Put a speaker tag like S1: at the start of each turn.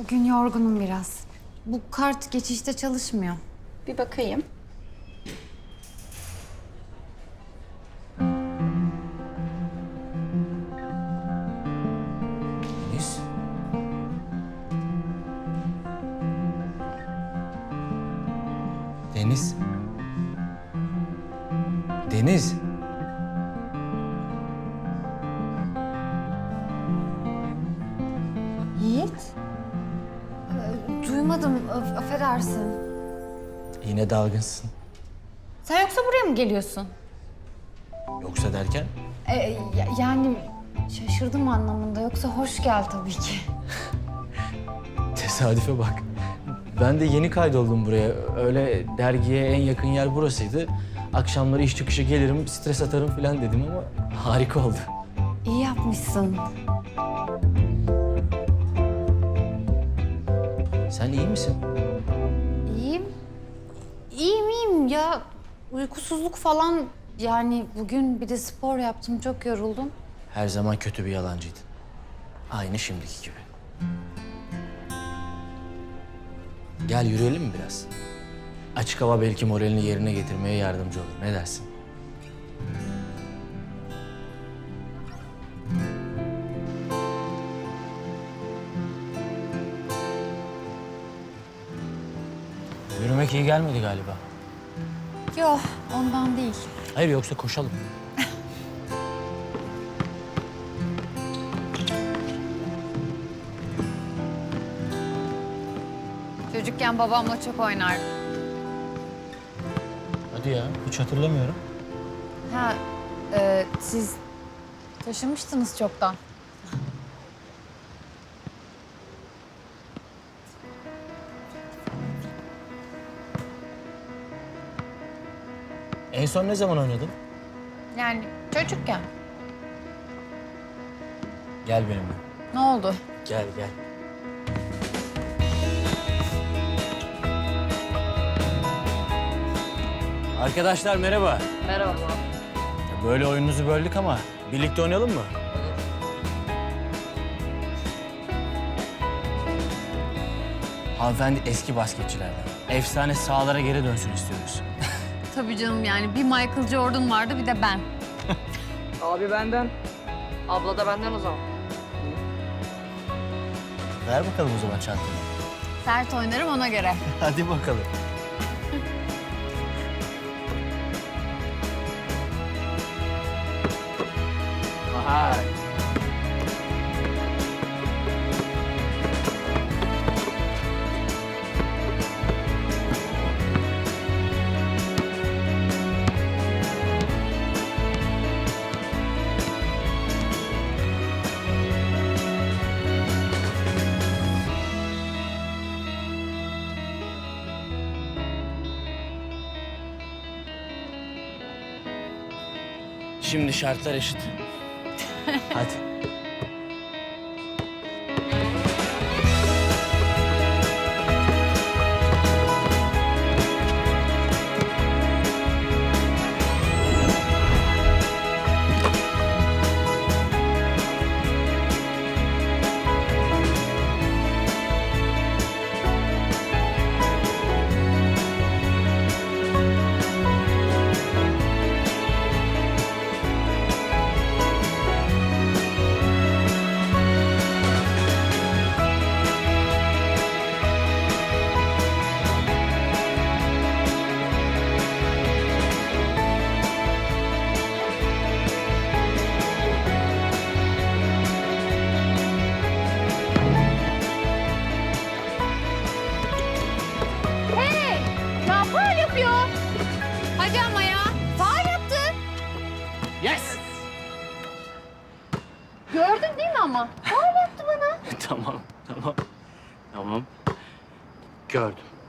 S1: Bugün yorgunum biraz. Bu kart geçişte çalışmıyor.
S2: Bir bakayım.
S3: Deniz. Deniz. Deniz.
S1: Yiğit? Duymadım, affedersin.
S3: Yine dalgınsın.
S1: Sen yoksa buraya mı geliyorsun?
S3: Yoksa derken?
S1: Yani şaşırdım anlamında. Yoksa hoş gel tabii ki.
S3: Tesadüfe bak. Ben de yeni kaydoldum buraya. Öyle dergiye en yakın yer burasıydı. Akşamları iş çıkışı gelirim, stres atarım falan dedim ama harika oldu.
S1: İyi yapmışsın.
S3: Sen iyi misin?
S1: İyiyim. İyiyim ya. Uykusuzluk falan. Yani bugün bir de spor yaptım. Çok yoruldum.
S3: Her zaman kötü bir yalancıydın. Aynı şimdiki gibi. Gel yürüyelim mi biraz? Açık hava belki moralini yerine getirmeye yardımcı olur. Ne dersin? Yürümek iyi gelmedi galiba.
S1: Yok, ondan değil.
S3: Hayır yoksa koşalım.
S1: Çocukken babamla çok oynardım.
S3: Hadi ya, hiç hatırlamıyorum.
S1: Ha, siz taşımıştınız çoktan.
S3: En son ne zaman oynadın?
S1: Yani çocukken.
S3: Gel benimle.
S1: Ne oldu?
S3: Gel, gel. Arkadaşlar merhaba.
S2: Merhaba.
S3: Böyle oyununuzu böldük ama birlikte oynayalım mı? Hanımefendi eski basketçilerden. Efsane sahalara geri dönsün istiyoruz.
S1: Tabii canım yani bir Michael Jordan vardı bir de ben.
S4: Abi benden. Abla da benden o zaman.
S3: Ver bakalım o zaman çantanı.
S1: Sert oynarım ona göre.
S3: Hadi bakalım. Aha. Şimdi şartlar eşit. Hadi.
S1: Ya faul yapıyor. Hadi ama ya. Faul yaptı.
S3: Yes!
S1: Gördün değil mi ama? Faul yaptı bana.
S3: Tamam, tamam. Tamam. Gördüm.